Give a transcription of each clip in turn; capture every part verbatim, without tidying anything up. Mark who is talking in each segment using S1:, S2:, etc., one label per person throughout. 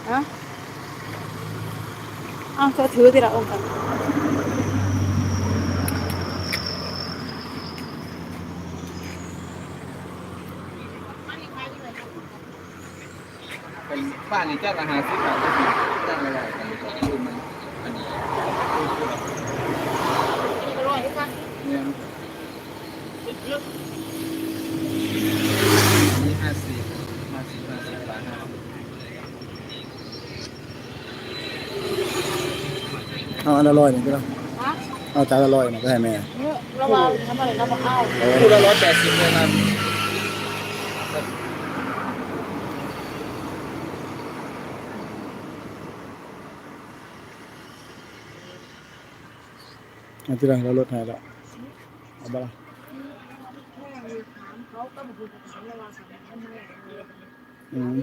S1: อะเอาเธอถือทีละองค์กัน
S2: เป็นบ้านนี่เจ้าอาหารที่แบบเจ้าอะไรกันคือมันอันนี้
S1: อร่อยค่ะ
S2: เนี่ยนี่ห้าสิบห้าสิบห้าสิบบาทห้า
S3: เอาอันอร่อยหนึ่งก็ได้
S1: ฮะ
S3: เอาจานอร่อยหนึ่งก็ให้แม่
S1: เนี่ยระวังทำอะไรน้ำมะพร้าว
S2: คู่ละร้อยแปดสิบเลยนะ
S3: อันที่เราลดให้แล้วเอาบ้าอืม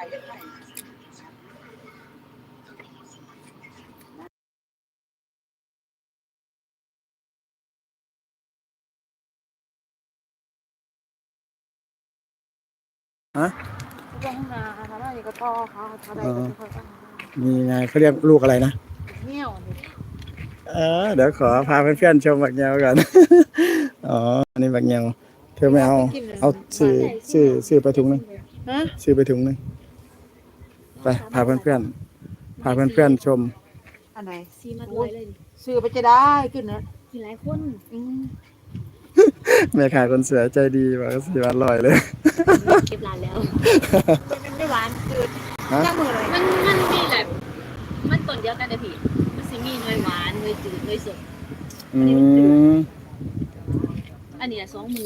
S3: ฮะ
S1: เรื่องนาทำอะไรก็ต่อเขาทำอะไรก็ไม่ค่อยต้อง
S3: มีไงเขาเรียกลูกอะไรนะ
S1: เงี้ยวนี่
S3: เออเดี๋ยวขอพาเพื่อนๆชมบักเงวก่อนอ๋ออันนี้บักเงวเธอไม่เอาเอาซื้อซื้อซื้อไปถุงนึง
S1: ฮะ
S3: ซื้อไปถุงนึงไปพาเพื่อนๆพาเพื่อนๆชม
S1: อันไหน
S4: ซีมาด้วยเลย
S1: ซื้อไปจะได้ขึ้นนะ
S4: มีหลายคน
S1: อืม
S3: แม่ขายคนสวยใจดีบอกว่าสี่วันลอยเลย
S4: เก็บร้านแล้วมันไม่หวานคือ
S3: ฮะ
S1: จ้ามือเลย
S4: มันมันมีแบบมันต้นเดียวกันเลยพี่มันสิมีหน่วยหวานหน่วยจืดหน่วยสด
S3: อืม
S4: อันนี้สองมือ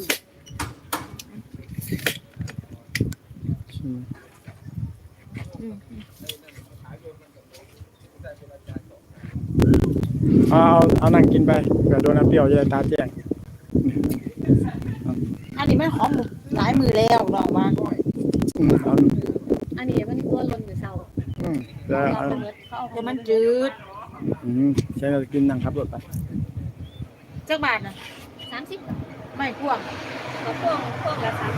S3: เอาเอาเอานั่งกินไปเผื่อโดนน้ำเปรี้ยวจะได้ตาแจ้ง
S1: อันนี้ไม่หอมหลายมือแล้วลองมา
S3: อืมเอา
S4: อันนี้มันตัวล้นมือเศร้า
S3: อืมแล้ว
S4: เรา
S3: เอา
S4: เป็นรถเข้า
S1: แต่มันจืด
S3: อืมใช้เรากินนั่งขับรถไป
S1: จักบาทนะ
S4: สามสิบ
S1: ไม่พ่วง
S4: ก็พวกพวกละสาม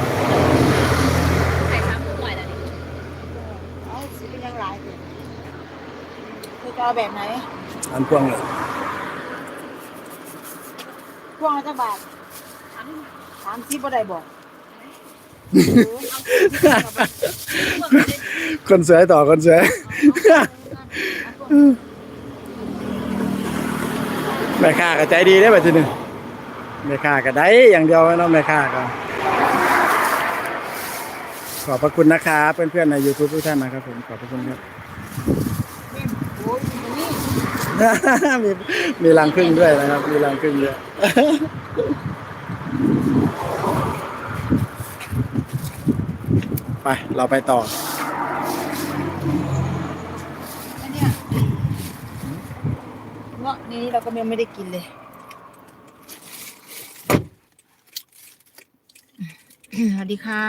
S4: ขายสามหน่วยแล้วนี่
S1: เอาสิเป็นยังหลายเลยคือจะเอาแบบไหน
S3: อันพวงเลย
S1: พ่วงละจักบาท
S4: สาม
S1: สามสิบบ่ได้บอก
S3: คนสวยต่อคนสวยแม่ค้าก็ใจดีได้แบบทีนึงแม่ค้าก็ได้อย่างเดียวเนาะแม่ค้าก็ขอบพระคุณนะครับเพื่อนๆใน YouTube ทุกท่านนะครับผมขอบพระคุณครับ
S1: โอ้ยนี่
S3: มีมีรังผึ้งด้วยนะครับมีรังผึ้งด้วยไปเราไปต่อ
S1: อันเนี้ยเงาะนี้เราก็ยังไม่ได้กินเลยสวัสดีค่ะ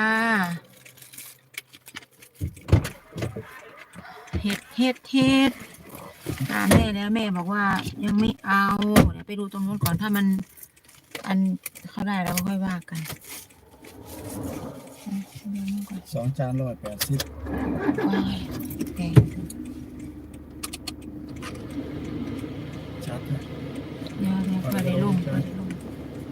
S1: เห็ดเห็ดเห็ดตามแม่แล้วแม่บอกว่ายังไม่เอาเดี๋ยวไปดูตรงนู้นก่อนถ้ามันอันเขาได้แล้วก็ค่อยว่ากัน
S3: สองจานร้อยแปดสิบ
S1: ว้ายแพง
S3: ชัดนะ
S1: เดี๋ยวเดี๋ยวพอได้ลงพอได้ลง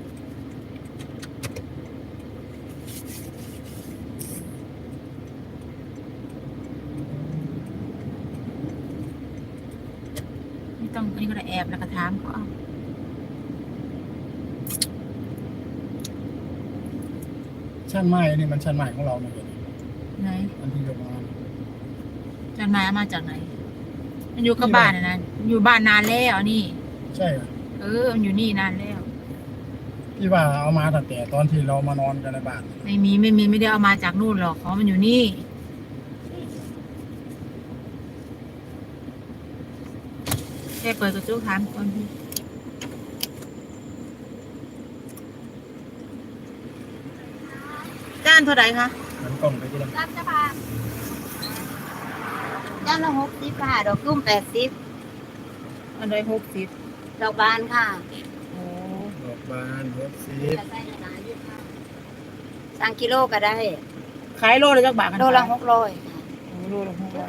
S1: ไม่ต้องอันนี้ก็ได้แอบแล้วก็ถามเขาเอา
S3: ชั้นไม้นี่มันชั้นไม้ของเราเนี่ย
S1: ไหน
S3: อันที่ยกมา
S1: จดหมายเอามาจากไหน มันอยู่กับบ้านนะนะมันอยู่บ้านนานแล้วนี่
S3: ใช่เหรอ
S1: เออ มันอยู่นี่นานแล้ว
S3: พี่ว่าเอามาตั้งแต่ตอนที่เรามานอนกันในบ้าน
S1: ไม่มีไม่มีไม่ได้เอามาจากนู่นหรอกของมันอยู่นี่แค่เปิดกระจกถามก่อนพี่จานเท่าไหร่คะ
S3: มันกล้องไปที่ละ
S4: รับจะพา
S5: จานละหกสิบค่ะดอกกุ้มแปดสิบ
S1: อันใดหกสิบ
S5: ดอกบานค่ะ
S1: โอ้
S3: ดอกบานหกสิบ
S5: สั่งกิโลก็ได้
S1: ขายโลละจักบาทกัน
S5: โลละหกร้อย
S1: โอ้โลละหกร้อย